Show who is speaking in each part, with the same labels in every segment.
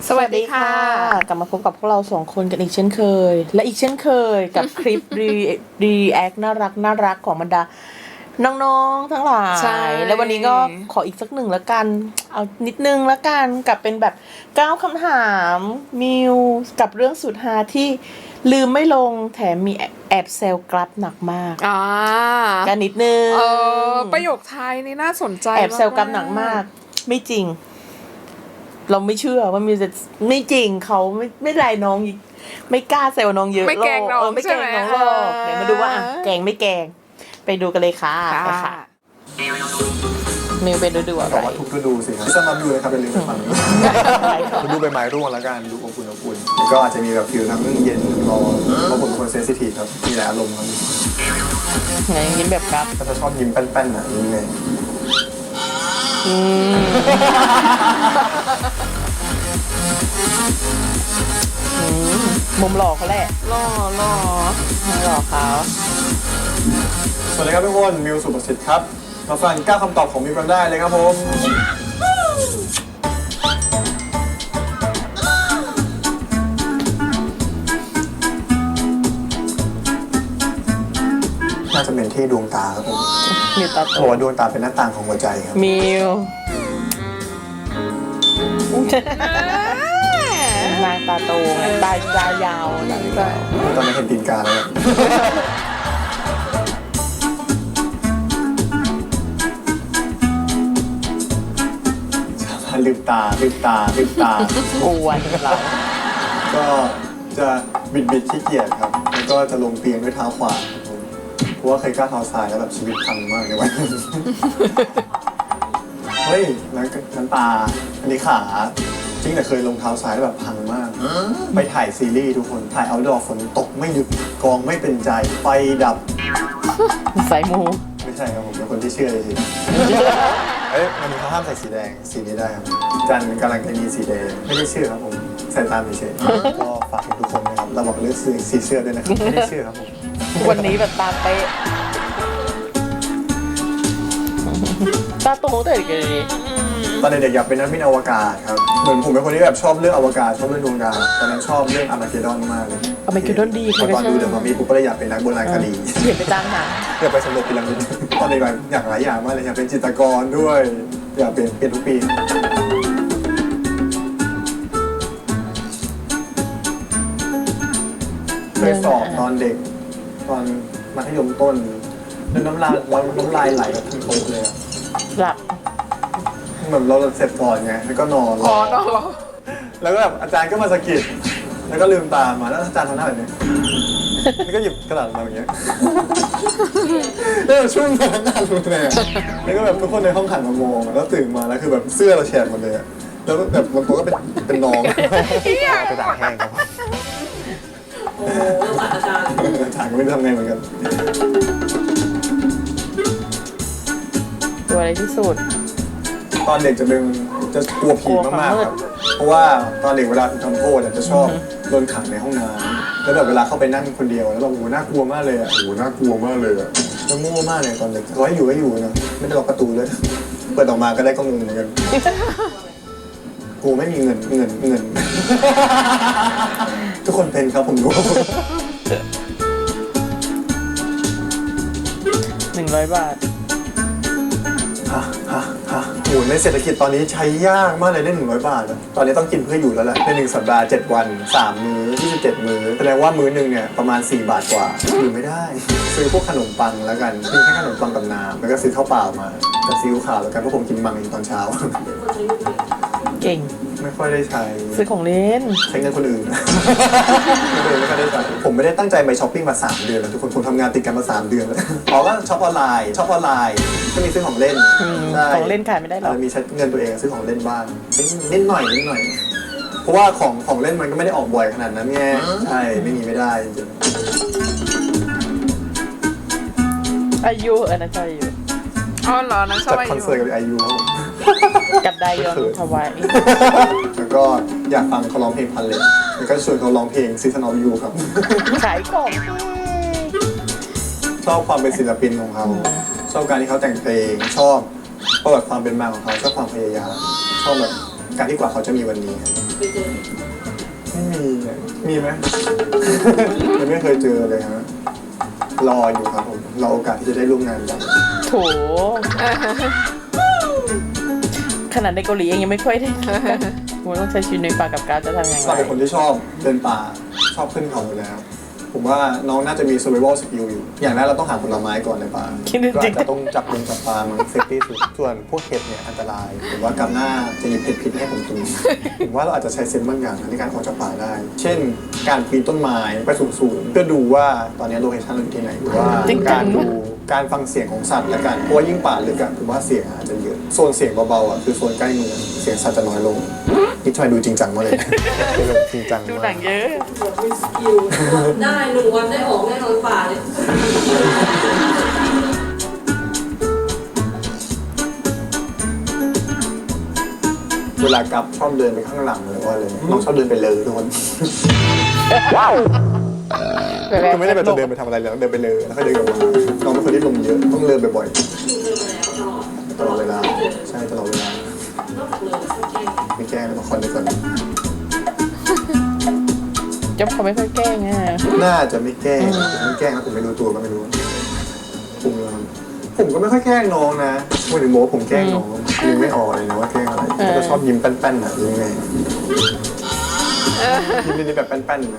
Speaker 1: สวัสดีค่ะ
Speaker 2: กลับมาพบกับพวกเราสองคนกันอีกเช่นเคย และอีกเช่นเคยกับคลิปรีแอคน่ารักของบรรดาน้องๆทั้งหลาย แล้ววันนี้ก็ขออีกสักหนึ่งละกัน เอานิดนึงละกันกับเป็นแบบ9คำถามมิวกับเรื่องสุดฮาที่ลืมไม่ลงแถมมีแอบเซลกลับหนักมากกันนิดนึง
Speaker 1: ประโยคท้ายนี่น่าสนใจ
Speaker 2: แอบเซลกลับหนักมากไม่จริงเราไม่เชื่อว่ามิวจะไม่จริงเขาไม่ไรน้องไม่กล้าเซลน้องเยอะ
Speaker 1: ไม่แกล้งน้อง
Speaker 2: ไม่แกล้งน้องหรอกเดี๋ยวมาดูว่าแกล้งไม่แกล้งไปดูกันเลยค่ะไปค่ะมิวไปดูอะไร
Speaker 3: บอกว่าทุกฤดูสิครับสำหรับมิวเลยครับเป็นฤดูฟังดูใบไม้ร่วงแล้วกันดูอบอุ่นแล้วก็อาจจะมีแบบฟิลทั้งเย็นทั้งร้อนเพราะผมเป็นคนเซนซิทีฟครับมีหลายอารมณ์ครับ
Speaker 2: ไงยิ้มแบบครับ
Speaker 3: ก็จะชอบยิ้มแป้นๆนะยิ้มไง
Speaker 2: มุมหล่อเขาแหละ
Speaker 1: หล่อ
Speaker 2: เขา
Speaker 3: สวัสดีครับทุกคนมิวสุประสิทธิ์ครับมาฟัง9คำตอบของมิวกันได้เลยครับผมน่าจะเป็นที่ดวงตาครับผม
Speaker 2: มิวตาโต
Speaker 3: ดวงตาเป็นหน้าต่างของหัวใจครับ
Speaker 2: มิวนางตาโตไงตายาว
Speaker 3: ตอนนี้เห็นตีนกาแล้วลืมตา
Speaker 2: อ้วนเรา
Speaker 3: ก็จะบิดขี้เกียจครับแล้วก็จะลงเตียงด้วยเท้าขวาเพราะว่าเคยก้าวเท้าซ้ายแล้วแบบชีวิตพังมากเลยวันเฮ้ยน้ำตาอันนี้ขาจริงแต่เคยลงเท้าซ้ายแล้วแบบพังมากไปถ่ายซีรีส์ทุกคนถ่ายเอาท์ดอร์ฝนตกไม่หยุดกองไม่เป็นใจไฟดับ
Speaker 2: ใส่มู
Speaker 3: ไม่ใช่ครับผมเป็นคนที่เชื่อเลยสิวันนี้เขาห้ามใส่สีแดงสีนี้ได้ครับจันกำลังจะมีสีแดงไม่ได้เชื่อครับผมใส่ตามเฉยๆก็ฝากทุกคนนะครับเราบอกเลือกสีเสื้อด้วยนะครับไม่ได้เชื่อครับผม
Speaker 2: วันนี้แบบตามไปตาโตแต่เด็กเลย
Speaker 3: ตอนเด็กๆอยากเป็นนักบินอวกาศครับเหมือนผมเป็นคนที่แบบชอบเรื่องอวกาศชอบเรื่องดวงดาวตอนนั้นชอบเรื่องอาร์มาเกดดอนมากเลย
Speaker 2: อาร์มาเกดดอนดี
Speaker 3: ตอนดูเดี๋ยวมามีปุ๊บก็เลยอยากเป็นนักโบราณคดี
Speaker 2: เห็นไปตามหา
Speaker 3: อยากไปสำรวจพีระมิดตอนเด็กๆอยากหลายอย่างมากเลยอยากเป็นจิตรกรด้วยอยากเปลี่ยนทุกปีเคยสอบตอนเด็กตอนมัธยมต้นแล้วน้ำลายไหลแบบทั้งโต๊ะเลย
Speaker 2: หลับ
Speaker 3: เหมือนเราเสร็จก่อนไงแล้วก็นอนแล้วก็แบบอาจารย์ก็มาสะกิดแล้วก็ลืมตามาแล้วอาจารย์ทำหน้าแบบนี้แล้วก็หยิบกระดาษมาอย่างเงี้ยแล้วช่วงนั้นนานเลยแล้วก็แบบทุกคนในห้องขันมามองแล้วตื่นมาแล้วคือแบบเสื้อเราแฉะหมดเลยแล้วแบบบางตัวก็เป็นน้องกระดาษแห้งครับ
Speaker 1: โอ้อาจารย์
Speaker 3: ก็ไม่รู้ทำไงเหมือนกัน
Speaker 2: ตัวอะไรที่สุด
Speaker 3: ตอนเด็กจะกลัวผีมากๆครับเพราะว่าตอนเด็กเวลาทำโทษจะชอบโดนขังในห้องน้ำแล้วแบบเวลาเข้าไปนั่งคนเดียวแล้วแบบโอ้น่ากลัวมากเลยอ่ะแล้วโง่มากเลยตอนเด็กเขาให้อยู่นะไม่ได้ล็อกประตูเลยเปิดออกมาก็ได้ก็งงเหมือนกันกูไม่มีเงินทุกคนเป็นครับผมรู้
Speaker 2: 100 บาท
Speaker 3: โอ้ในเศรษฐกิจตอนนี้ใช้ยากมากเลยได้100 บาทตอนนี้ต้องกินเพื่ออยู่แล้วแหละใน1 สัปดาห์7 วัน3 มื้อ27 มื้อแสดงว่ามื้อนึงเนี่ยประมาณ4 บาทกว่าอยู่ไม่ได้ซื้อพวกขนมปังแล้วกันกินแค่ขนมปังกับน้ำแล้วก็ซื้อข้าวเปล่ามากับซีอิ๊วขาวแล้วกันเพราะผมกินมังตอนเช้า
Speaker 2: เก่ง
Speaker 3: ไม่ค่อยได้ใช้
Speaker 2: ซื้อของเล่น
Speaker 3: ใช้เงินคนอื่นไม่ค่อยได้ใช้ผมไม่ได้ตั้งใจไปช้อปปิ้งมา3 เดือนแล้วทุกคนผมทำงานติดกันมา3 เดือนแล้วอ๋อก็ช็อปออนไลน์ก็มีซื้อของเล่น
Speaker 2: ของเล่นขายไม่ได้หรอก
Speaker 3: มีใช้เงินตัวเองซื้อของเล่นบ้างนิดหน่อยเพราะว่าของเล่นมันก็ไม่ได้ออกบ่อยขนาดนั้นไงใช่ไม่ได้จริง
Speaker 2: อายุนะชอบอายุ
Speaker 1: อ๋อเหรอนะชอบอายุ
Speaker 3: คอนเสิร์ตกับอายุ
Speaker 2: กับไดยอนทวาย
Speaker 3: แล้วก็อยากฟังเขาร้องเพลงพันเล็กแล้วก็ชวนเขาร้องเพลงซีซันออฟยูครับ
Speaker 2: ขายของ
Speaker 3: ชอบความเป็นศิลปินของเขาชอบการที่เขาแต่งเพลงชอบประวัติความเป็นมาของเขาชอบความพยายามชอบแบบการที่กว่าเขาจะมีวันนี้
Speaker 1: ไปเจอ
Speaker 3: ไม่มีอะมีไหม ยังไม่เคยเจอเลยฮะรออยู่ครับผมรอโอกาสที่จะได้ร่วมงานกัน
Speaker 2: โถขนาดในเกาหลีเองยังไม่ค่อยได้ผมต้องใช้ชีวิตในป่ากับการจะทำยังไง
Speaker 3: เราเป็นคนที่ชอบเดินป่าชอบขึ้นเขาอยู่แล้ว ผมว่าน้องน่าจะมี survival skill อยู่ อย่างแรกเราต้องหาผลไม้ก่อนในป่าก็อาจจะต้องจับปลามันเซฟตี้สุดส่วนพวกเห็ดเนี่ยอันตรายผมว่ากำหน้าจะหยิบเห็ดพิษให้ผมกินผมว่าเราอาจจะใช้เซนส์บางอย่างในการออกจากป่าได้ เช่น การปีนต้นไม้ไปสูงๆเพื่อดูว่าตอนนี้โลเคชั่นเราอยู่ที่ไหนหรือว่าการฟังเสียงของสัตว์และกันเพราะว่ายิ่งป่าลึกอะผมว่าเสียงอาจจะเยอะโซนเสียงเบาๆอะคือโซนใกล้เมืองเสียงสัตว์จะน้อยลงนี่ทำไมดูจริงจังมากเลยจริงจัง
Speaker 2: ดู
Speaker 3: มา
Speaker 2: หนั
Speaker 3: ก
Speaker 2: งเยอะ
Speaker 1: แบบมีสกิลได้1 วันได้ออกแน่นอนป่าเลย
Speaker 3: เวลากลับชอบเดินไปข้างหลังเลยว่าเลยน้องชอบเดินไปเลยทุกคนคือไม่ได้แบบจะเดินไปทำอะไรแล้วเดินไปเลยแล้วค่อยเดินกลับมาน้องเป็นคนที่ลมเยอะต้องเดินบ่อย
Speaker 1: คือเจอมาแล้วตลอด
Speaker 3: ๆตลอดเวลาใช่ตลอดเวลาน
Speaker 1: อกจากเลยก็แกล้ง
Speaker 3: ไม่แกล้งเลยบางคนในคน
Speaker 2: จ๊บเขาไม่ค่อยแกล้งอ่ะ
Speaker 3: น่าจะไม่แกล้งไม่แกล้งแล้วผมไม่รู้ตัวก็ไม่รู้ผมก็ไม่ค่อยแกล้งน้องนะไม่ถึงโม้ผมแกล้งน้องยังไม่ออกเลยนะว่าแกล้งอะไรก็ชอบยิ้มแป้นๆน่ะยังไงยิ้มนี่แบบแป้นๆนะ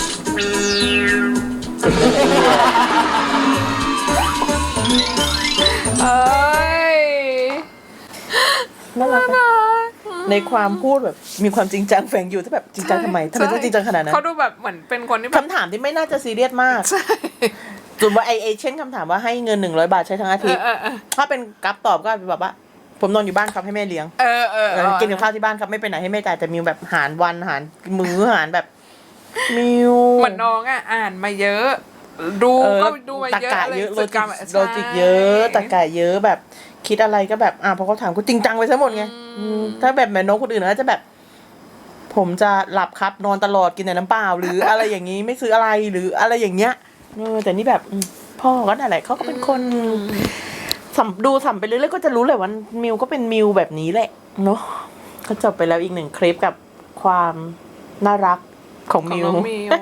Speaker 4: เอ้ย
Speaker 2: น่ารักนะในความพูดแบบมีความจริงจังแฝงอยู่ที่แบบจริงจังทำไมต้องจริงจังขนาดนั้น
Speaker 4: เขาดูแบบเหมือนเป็นคนที่แบบ
Speaker 2: คำถามที่ไม่น่าจะซีเรียสมากส่วนว่าไอเช่นคำถามว่าให้เงิน100 บาทใช้ทั้งอาทิตย์ถ้าเป็นกัฟตอบก็แบบว่าผมนอนอยู่บ้านครับให้แม่เลี้ยงกินกับข้าวที่บ้านครับไม่ไปไหนให้แม่จ่ายแต่มิวแบบหารวันหารมื้อหารแบบมิว
Speaker 4: เหมือนน้องอ่านมาเยอะ ดูก็ดูมา
Speaker 2: ตะ
Speaker 4: เยอะ
Speaker 2: กะ
Speaker 4: อะไร
Speaker 2: เยอะ
Speaker 4: ฝึกกรรม
Speaker 2: โลจิกเยอะตะกะเยอะแบบคิดอะไรก็แบบพอเขาถามก็จริงจังไปซะหมดไงถ้าแบบน้องคนอื่นก็จะแบบ ผมจะหลับครับนอนตลอดกินแต่น้ำเปล่าหรืออะไรอย่างนี้ไม่ซื้ออะไรหรืออะไรอย่างเงี้ยแต่นี่แบบพ่อก็นั่นแหละเขาก็เป็นคนดูสัมไปเรื่อยๆก็จะรู้เลยว่ามิวก็เป็นมิวแบบนี้แหละเนาะก็จบไปแล้วอีก1 คลิปกับความน่ารักของ
Speaker 4: ของ
Speaker 2: มิว
Speaker 4: น้องมิว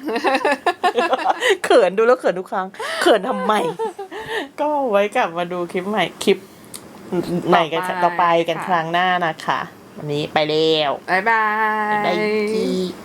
Speaker 2: เขินดูแล้วเขินทุกครั้งเขินทำไม ก็ไว้กลับมาดูคลิปใหม่คลิปไหนกันต่อไปกันครั้งหน้านะคะ วันนี้ไปแล้ว
Speaker 4: บ๊ายบาย
Speaker 2: บ๊ายบาย